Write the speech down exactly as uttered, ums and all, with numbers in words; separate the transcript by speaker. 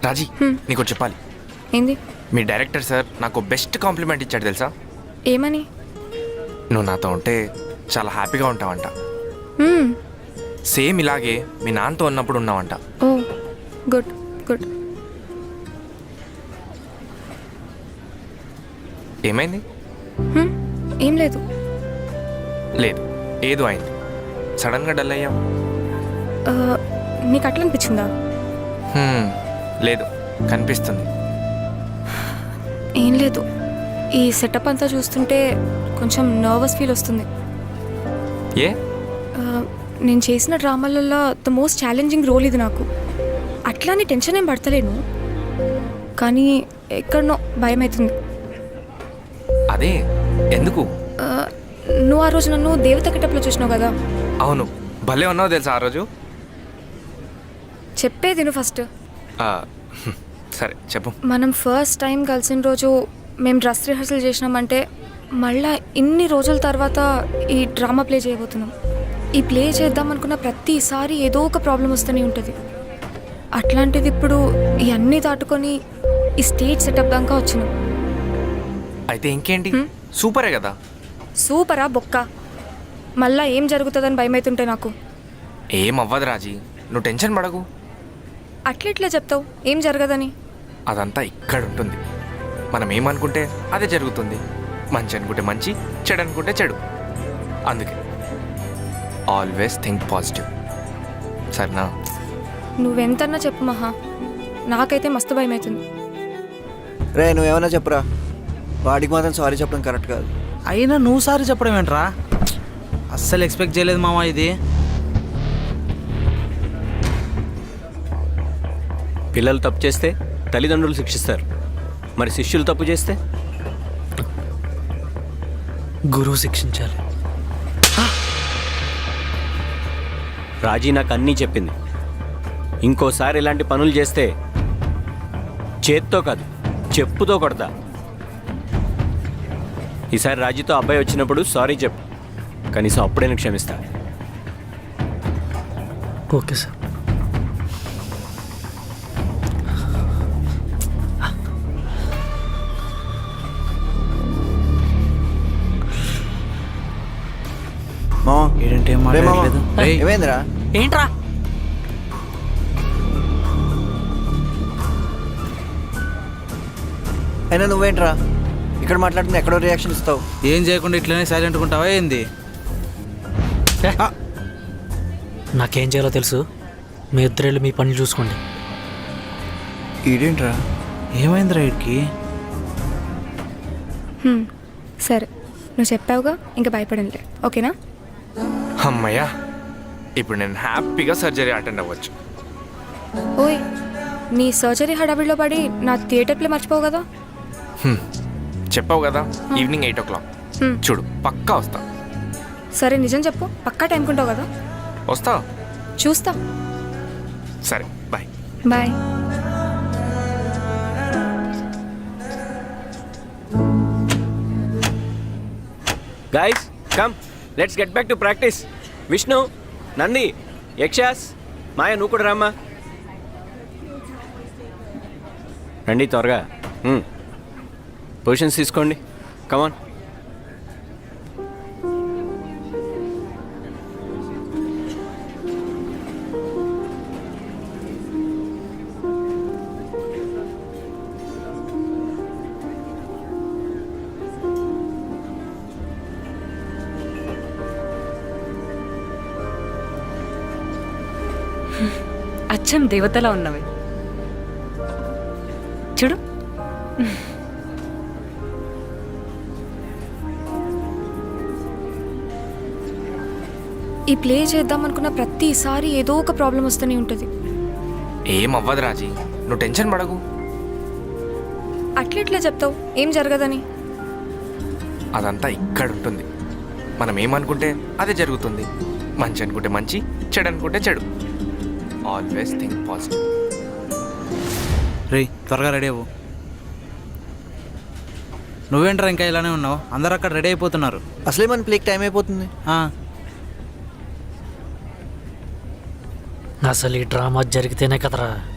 Speaker 1: రాజీ నీకు చెప్పాలి.
Speaker 2: ఏంది?
Speaker 1: మీ డైరెక్టర్ సార్ నాకు బెస్ట్ కాంప్లిమెంట్ ఇచ్చాడు తెలుసా?
Speaker 2: ఏమని?
Speaker 1: నువ్వు నాతో ఉంటే చాలా హ్యాపీగా ఉంటావంట.
Speaker 2: మ్మ్.
Speaker 1: సేమ్ ఇలాగే మీ నాన్నతో ఉన్నప్పుడు ఉన్నావంట.
Speaker 2: ఓ గుడ్ గుడ్.
Speaker 1: ఏమైంది?
Speaker 2: హ్మ్, ఏం లేదు.
Speaker 1: లేదు, ఏదో అయింది. సడన్గా డల్ అయ్యావు.
Speaker 2: ఆ, నీకు అట్లా అనిపించిందా?
Speaker 1: హ్మ్, లేదు, కనిపిస్తుంది.
Speaker 2: ఏం లేదు, ఈ సెటప్ అంతా చూస్తుంటే కొంచెం నర్వస్ ఫీల్ వస్తుంది.
Speaker 1: ఏ?
Speaker 2: ఆ, నేను చేసిన డ్రామాలలో ద మోస్ట్ ఛాలెంజింగ్ రోల్ ఇది నాకు. అట్లా అని టెన్షన్ ఏం పడతలేను, కానీ ఎక్కడనో భయం అవుతుంది.
Speaker 1: అదే ఎందుకు?
Speaker 2: ఆ, నువ్వు ఆ రోజు నన్ను దేవత కిటప్లో చూసినావు కదా?
Speaker 1: అవును, భలే ఉన్నావు తెలుసా ఆ రోజు.
Speaker 2: చెప్పేది నువ్వు ఫస్ట్.
Speaker 1: ఆ, సరే చెప్పు.
Speaker 2: మనం ఫస్ట్ టైం కలిసిన రోజు మేము డ్రెస్ రిహర్సల్ చేసినామంటే మళ్ళా ఇన్ని రోజుల తర్వాత ఈ డ్రామా ప్లే చేయబోతున్నాం. ఈ ప్లే చేద్దాం అనుకున్న ప్రతిసారి ఏదో ఒక ప్రాబ్లం వస్తూనే ఉంటుంది. అట్లాంటిది ఇప్పుడు ఇవన్నీ దాటుకొని ఈ స్టేజ్ సెటప్ దాకా వచ్చినాం.
Speaker 1: అయితే ఇంకేంటి, సూపరే కదా.
Speaker 2: సూపరా బొక్క? మళ్ళా ఏం జరుగుతుందని భయమవుతుంటే నాకు.
Speaker 1: ఏం అవ్వదు రాజీ, నువ్వు టెన్షన్ పడకు.
Speaker 2: అట్లెట్లా చెప్తావు ఏం జరగదని?
Speaker 1: అదంతా ఇక్కడ ఉంటుంది. మనం ఏమనుకుంటే అదే జరుగుతుంది. మంచి అనుకుంటే మంచి, చెడు అనుకుంటే చెడు. అందుకే ఆల్వేస్ థింక్ పాజిటివ్, సరేనా?
Speaker 2: నువ్వెంతన్నా చెప్పు మహా, నాకైతే మస్తు భయం అవుతుంది.
Speaker 3: రే నువ్వేమన్నా చెప్పురా, వాడికి మాత్రం సారీ చెప్పడం కరెక్ట్ కాదు.
Speaker 4: అయినా నువ్వు సారీ చెప్పడం ఏంట్రా? అస్సలు ఎక్స్పెక్ట్ చేయలేదు మామ ఇది.
Speaker 5: పిల్లలు తప్పు చేస్తే తల్లిదండ్రులు శిక్షిస్తారు, మరి శిష్యులు తప్పు చేస్తే
Speaker 4: గురువు శిక్షించాలి.
Speaker 5: రాజీ నాకు అన్నీ చెప్పింది. ఇంకోసారి ఇలాంటి పనులు చేస్తే చేత్తో కాదు చెప్పుతో కొడతా. ఈసారి రాజీతో అబ్బాయి వచ్చినప్పుడు సారీ చెప్పు, కనీసం అప్పుడైనా క్షమిస్తా.
Speaker 4: Okay sir.
Speaker 3: మామ
Speaker 4: ఏంటంటే ఏం
Speaker 3: రే మామ,
Speaker 4: మాట్లాడలేదు? ఏయ్,
Speaker 3: ఏమైందిరా?
Speaker 4: ఏంట్రా?
Speaker 3: అయినా నువ్వేంట్రా ఇక్కడ మాట్లాడుతున్నా ఎక్కడో రియాక్షన్ ఇస్తావు?
Speaker 4: ఏం చేయకుండా ఇట్లనే సైలెంట్గా ఉంటావా ఏంది?
Speaker 6: నాకేం చేయాలో తెలుసు, మీ ఇద్దరు మీ పనులు చూసుకోండి.
Speaker 3: ఈడేంట్రా?
Speaker 4: ఏమైందిరా వీడికి?
Speaker 2: హ్మ్, సరే నువ్వు చెప్పావుగా, ఇంకా భయపడంలే, ఓకేనా?
Speaker 1: అమ్మయ్యా, ఇప్పుడు నేను హ్యాపీగా సర్జరీ అటెండ్ అవ్వచ్చు.
Speaker 2: ఓయ్, నీ సర్జరీ హడావిడిలో పడి నా థియేటర్ ప్లే మర్చిపోవు కదా?
Speaker 1: హ్మ్, చెప్పావు కదా ఈవినింగ్ ఎయిట్ ఓ క్లాక్.
Speaker 2: హ్మ్.
Speaker 1: చూడు పక్కా వస్తా.
Speaker 2: సరే నిజం చెప్పు, పక్కా టైంకి ఉంటావు కదా?
Speaker 1: వస్తా.
Speaker 2: చూస్తా.
Speaker 1: సరే bye.
Speaker 2: Bye.
Speaker 5: Guys come, let's get back to practice. Vishnu, Nandi, Yakshas, Maya నువ్వు కూడా రామ్మా. రండి త్వరగా. పొజిషన్స్ తీసుకోండి, కమాన్.
Speaker 7: అచ్చం దేవతలా ఉన్నవి చూడు.
Speaker 2: ఈ ప్లే చేద్దాం అనుకున్న ప్రతిసారి ఏదో ఒక ప్రాబ్లం వస్తూనే ఉంటుంది.
Speaker 1: ఏం అవ్వదు రాజీ, నువ్వు టెన్షన్ పడకు.
Speaker 2: అట్లెట్లా చెప్తావు ఏం జరగదని?
Speaker 1: అదంతా ఇక్కడ ఉంటుంది. మనం ఏమనుకుంటే అదే జరుగుతుంది. మంచి అనుకుంటే మంచి, చెడు అనుకుంటే చెడు. Always think positive.
Speaker 4: రే త్వరగా రెడీ అవ్వు. నువ్వేంట్రా ఇంకా ఇలానే ఉన్నావు? అందరు అక్కడ రెడీ అయిపోతున్నారు.
Speaker 3: అసలే మన ప్లేక్ టైం అయిపోతుంది.
Speaker 6: అసలు ఈ డ్రామా జరిగితేనే కదరా